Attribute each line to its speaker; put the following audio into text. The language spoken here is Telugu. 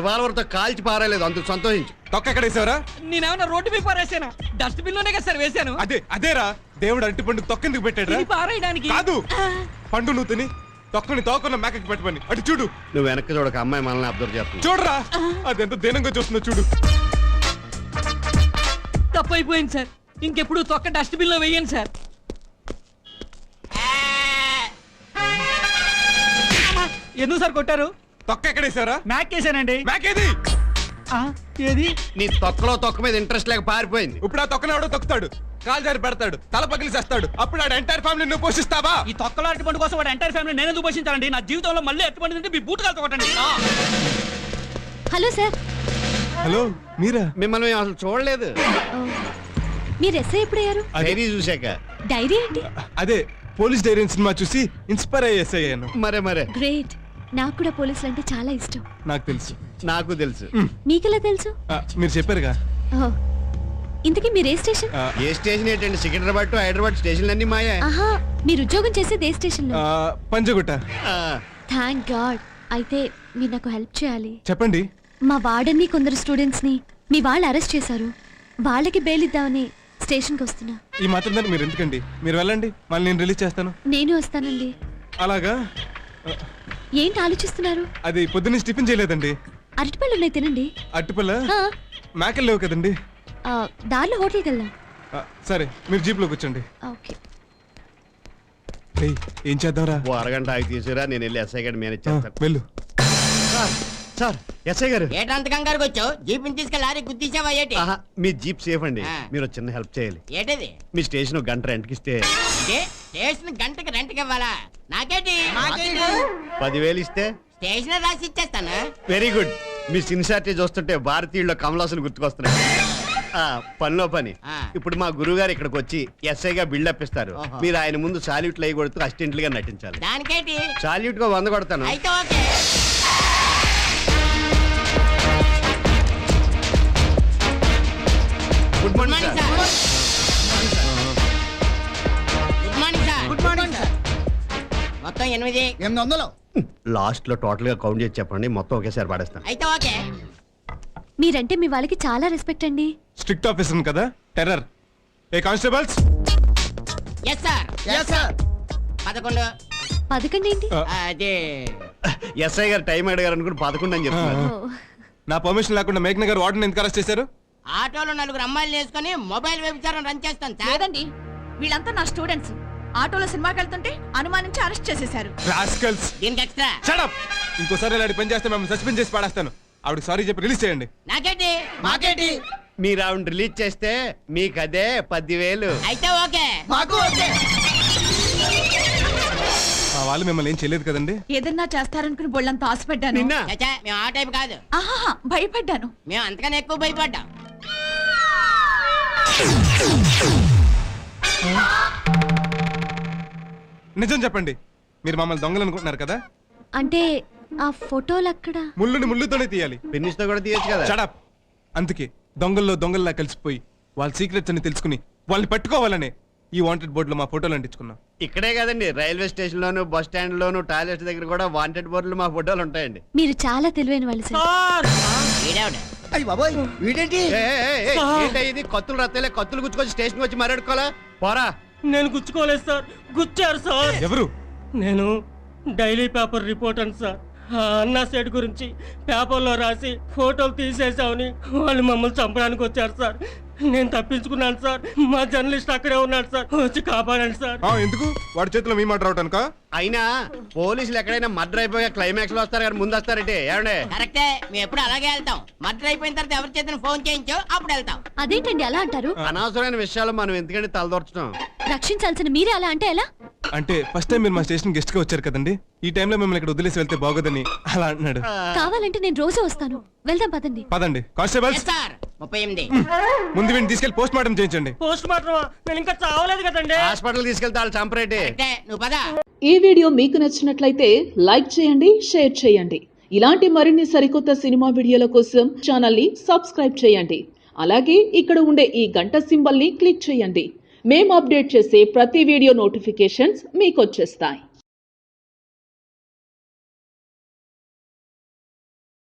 Speaker 1: రివాల్వర్ తో కాల్చి పారలేదు, అందుకు సంతోషించు.
Speaker 2: తొక్క ఎక్కడ వేసావరా?
Speaker 3: నేనేమన్నా రోడ్డు మీద పారేసానా? డస్ట్ బిన్ లోనే కదా సార్ వేసాను.
Speaker 2: అదేరా దేవుడు అరటి పండు తొక్కెందుకు పెట్టాడు?
Speaker 3: పారేయడానికి
Speaker 2: కాదు, పండు నువ్వు తిని తొక్కని తోకున్న మేకకి పెట్టమని. అటు చూడు.
Speaker 1: నువ్వు వెనక్కి చూడక, అమ్మాయి మనల్ని అబ్జర్వ్ చేస్తుంది.
Speaker 2: చూడరా అదెంత దీనంగా చూస్తుందో చూడు.
Speaker 3: తప్పైపోయింది సార్, ఇంకెప్పుడు తొక్క డస్ట్ బిన్ లో వేయండి సార్. ఎందుకు సార్ కొట్టారు?
Speaker 2: తొక్క ఎక్కడ వేసావరా?
Speaker 3: మ్యాక్ వేసానండి.
Speaker 2: మేకేది?
Speaker 3: ఏది?
Speaker 1: నీ తొక్కలో తొక్క మీద ఇంట్రెస్ట్ లేక పారిపోయింది.
Speaker 2: ఇప్పుడు ఆ తొక్కనవాడు తొక్కుతాడు, కాలు జారి పెడతాడు, తల పగిలి చేస్తాడు. అప్పుడు ఆ ఎంటైర్ ఫ్యామిలీ నువ్వు పోషిస్తావా?
Speaker 3: ఈ తొక్కలో అరటిపండు కోసం వాడు ఎంటైర్ ఫ్యామిలీ నేను ఎందుకు పోషించాలండి? నా జీవితంలో మళ్ళీ అరటిపండు తింటే మీ బూట్ కాలుతో కొట్టండి.
Speaker 4: Hello sir.
Speaker 2: హలో, మీరా?
Speaker 1: మిమ్మల్ని మేము అసలు చూడలేదు.
Speaker 4: మీరు ఎస్ఐ ఎప్పుడయ్యారు?
Speaker 1: డైరీ చూశాక.
Speaker 4: డైరీ ఏంటి?
Speaker 2: అదే పోలీస్ డైరీ సినిమా చూసి ఇన్స్పైర్ అయ్యేసాను.
Speaker 1: మరే
Speaker 4: గ్రేట్. నాకు కూడా పోలీసులు అంటే చాలా ఇష్టం.
Speaker 2: నాకు తెలుసు.
Speaker 1: నాకు తెలుసు.
Speaker 4: మీకెలా తెలుసు?
Speaker 2: మీరు చెప్పారుగా.
Speaker 4: ఇంతకీ మీరు ఏ స్టేషన్?
Speaker 1: ఏ స్టేషన్ ఏంటండి? సికింద్రాబాద్ టు హైదరాబాద్ స్టేషన్లు అన్ని మాయా.
Speaker 4: ఆహా, మీరు ఉద్యోగం చేసేది ఏ స్టేషన్ లో?
Speaker 2: పంజగుట్ట.
Speaker 4: Thank God. అయితే మీరు నాకు హెల్ప్ చేయాలి.
Speaker 2: చెప్పండి.
Speaker 4: మా వార్డెన్ని కొందరు స్టూడెంట్స్ ని మీ వాళ్ళు అరెస్ట్ చేశారు. వాళ్ళకి బెయిల్ ఇద్దామని స్టేషన్ కి వస్తున్నా.
Speaker 2: ఈ మాత్రం దాన్ని మీరు ఎందుకండి? మీరు వెళ్ళండి, మళ్ళీ నేను రిలీజ్ చేస్తాను.
Speaker 4: నేను వస్తానండి.
Speaker 2: అలాగా?
Speaker 4: ఏంటి ఆలోచిస్తున్నారు?
Speaker 2: అది పొద్దున్నే టిఫిన్ చేయలేదండి.
Speaker 4: అరటిపళ్ళు ఉన్నాయి, తినండి.
Speaker 2: అరటిపళ్ళ? మేకలు లేవు కదండి.
Speaker 4: దారిలో హోటల్కి వెళ్దాం.
Speaker 2: సరే, మీరు జీప్ లో కూర్చోండి.
Speaker 4: ఓకే.
Speaker 2: ఏం చేద్దాంరా?
Speaker 1: ఓ అరగంట ఆగి తీసుకురా, నేను వెళ్ళి ఎస్ఐ గారిని మేనేజ్ చేస్తాను.
Speaker 2: వెళ్ళు.
Speaker 1: సార్, ఎస్ఐ గారు.
Speaker 5: ఏటంత కంగారుకి వచ్చావు? జీప్ తీసుకెళ్ళి లారీ గుద్దించావా ఏటి?
Speaker 1: మీ జీప్ సేఫ్ అండి. మీరు చిన్న హెల్ప్ చేయాలి.
Speaker 5: ఏటది?
Speaker 1: మీ స్టేషన్ గంట రెంట్కి ఇస్తే.
Speaker 5: స్టేషన్ గంటకి రెంట్కి ఇవ్వాలా? నాకేటి?
Speaker 1: 10,000 ఇస్తే
Speaker 5: స్టేషన్ రాసి ఇచ్చేస్తాను.
Speaker 1: Very good. మీ సిన్సియారిటీ చూస్తుంటే భారతీయుల్లో కమలాసులు గుర్తుకొస్తున్నాయి. పనిలో పని. ఇప్పుడు మా గురువు గారు ఇక్కడికి వచ్చి ఎస్ఐగా బిల్డప్ ఇస్తారు. మీరు ఆయన ముందు సాల్యూట్లు అయ్యి కొడుతూ అసిస్టెంట్లుగా నటించాలి.
Speaker 5: దానికేటి?
Speaker 1: సాల్యూట్ గా 100 కొడతాను.
Speaker 5: అయితే okay.
Speaker 1: Good morning sir.
Speaker 5: Good morning sir. Good morning sir. మొత్తం 800.
Speaker 1: లాస్ట్ లో టోటల్ గా కౌంట్ చేసి చెప్పండి, మొత్తం ఒకేసారి పడేస్తాను.
Speaker 5: అయితే ఓకే.
Speaker 4: మీరంటే మీ వాళ్ళకి చాలా రెస్పెక్ట్ అండి.
Speaker 2: స్ట్రిక్ట్ ఆఫీసర్ కదా, టెర్రర్. ఏ constables?
Speaker 5: Yes sir. Yes sir. 11.
Speaker 4: 11 ఏంటి?
Speaker 5: అదే
Speaker 1: ఎస్ఐ గారు టైం అడిగారు అనుకుని 11 అని చెప్తున్నారు.
Speaker 2: నా పర్మిషన్ లేకుండా మేఘ్న గారు వార్డెన్ ఎందుకు అరెస్ట్ చేశారు?
Speaker 5: ఆటోలో 4 అమ్మాయిలు వేసుకొని మొబైల్ వ్యభిచారం రన్ చేస్తాను సార్.
Speaker 6: లేదండి, వీళ్ళంతా నా స్టూడెంట్స్. ఆటోలో సినిమాకి వెళ్తుంటే అనుమానించి అరెస్ట్ చేసేశారు.
Speaker 2: రాస్కల్స్.
Speaker 5: దీనికి ఎక్స్ట్రా.
Speaker 2: Shut up. ఇంకోసారి ఇలాంటి పని చేస్తే మేము సస్పెండ్ చేసి పడేస్తాను. ఆవిడ సారీ చెప్పి రిలీజ్ చేయండి.
Speaker 5: నాకేటి? మాకేటి?
Speaker 1: మీరు ఆవిడ రిలీజ్ చేస్తే మీకు అదే 10,000.
Speaker 5: అయితే ఓకే.
Speaker 6: మాకు ఓకే.
Speaker 2: మా వాళ్ళు మిమ్మల్ని ఏం చేయలేదు కదండి?
Speaker 6: ఏదన్నా చేస్తారనుకుని బొళ్ళంతా ఆశపడ్డాను.
Speaker 1: నిన్న
Speaker 5: చచ్చా, మేము ఆ టైప్ కాదు.
Speaker 6: ఆహా, భయపడ్డాను.
Speaker 5: మేము అంతకన్నా ఎక్కువ భయపడ్డాం.
Speaker 2: నిజం చెప్పండి, మీరు మమ్మల్ని దొంగలు అనుకుంటున్నారు కదా?
Speaker 4: అంటే ఆ ఫోటోలు అక్కడ
Speaker 2: ముళ్ళుని ముళ్ళుతోనే తీయాలి,
Speaker 1: పెన్నిస్తో కూడా తీయచ్చు కదా.
Speaker 2: షడప్. అందుకే దొంగల్లో దొంగల్లా కలిసిపోయి వాళ్ళ సీక్రెట్స్ అని తెలుసుకుని వాళ్ళని పట్టుకోవాలనే ఈ వాంటెడ్ బోర్డులో మా ఫోటోలు అంటించుకున్నాం.
Speaker 1: ఇక్కడే కదండి, రైల్వే స్టేషన్ లోను, బస్ స్టాండ్ లోను, టాయిలెట్ దగ్గర కూడా వాంటెడ్ బోర్డులు మా ఫోటోలు ఉంటాయండి.
Speaker 4: మీరు చాలా తెలివైన వాళ్ళు సార్.
Speaker 1: ఇది కత్తులు రత్తలే, కత్తులు గుచ్చుకొచ్చి స్టేషన్ వచ్చి మరడుకోవాలా? పోరా.
Speaker 3: నేను గుచ్చుకోలేదు సార్, గుచ్చారు సార్.
Speaker 2: ఎవరు?
Speaker 3: నేను డైలీ పేపర్ రిపోర్టర్ సార్. అన్నా సెట్ గురించి పేపర్లో రాసి ఫోటోలు తీసేసామని వాళ్ళు మమ్మల్ని చంపడానికి వచ్చారు సార్. నేను తప్పించుకున్నాను సార్. మా జర్నలిస్ట్ అక్కడే ఉన్నాడు సార్, వచ్చి కాపాడండి సార్.
Speaker 2: ఎందుకు? వాడి చేతిలో మీ మాట రావటానిక?
Speaker 1: అయినా పోలీసులు ఎక్కడైనా మర్డర్ అయిపోయా క్లైమాక్స్ లో వస్తారు కానీ ముందు వస్తారంటే ఏమండే?
Speaker 5: కరెక్టే, మేము ఎప్పుడు అలాగే వెళ్తాం. మర్డర్ అయిపోయిన తర్వాత ఎవరి చేతిని ఫోన్ చేయించో అప్పుడు వెళ్తాం.
Speaker 4: అదేంటండి అలా అంటారు?
Speaker 1: అనవసరమైన విషయాలు మనం ఎందుకంటే తలదొరచడం.
Speaker 4: రక్షించాల్సిన మీరే అలా అంటే ఎలా?
Speaker 2: అంటే ఫస్ట్ టైం మీరు మా స్టేషన్ గెస్ట్ గా వచ్చారు కదండి, ఈ టైంలో మిమ్మల్ని ఇక్కడ వదిలేసి వెళ్తే బాగోదని అలా అంటున్నాడు.
Speaker 4: కావాలంటే నేను రోజు వస్తాను, వెళ్దాం పదండి.
Speaker 2: పదండి. కానిస్టేబుల్స్,
Speaker 5: 38.
Speaker 2: ముందు వీడిని తీసుకెళ్లి పోస్ట్ మార్టం చేయించండి.
Speaker 3: Post mortem? నేను ఇంకా చావలేదు కదండి.
Speaker 1: హాస్పిటల్ తీసుకెళ్తే వాళ్ళు చంపరేటి.
Speaker 5: నువ్వు పద.
Speaker 7: ఈ వీడియో మీకు నచ్చినట్లయితే లైక్ చేయండి, షేర్ చేయండి. ఇలాంటి మరిన్ని సరికొత్త సినిమా వీడియోల కోసం ఛానల్ ని సబ్స్క్రైబ్ చేయండి. అలాగే ఇక్కడ ఉండే ఈ గంట సింబల్ ని క్లిక్ చేయండి. మేము అప్డేట్ చేసే ప్రతి వీడియో నోటిఫికేషన్స్ మీకు వచ్చేస్తాయి.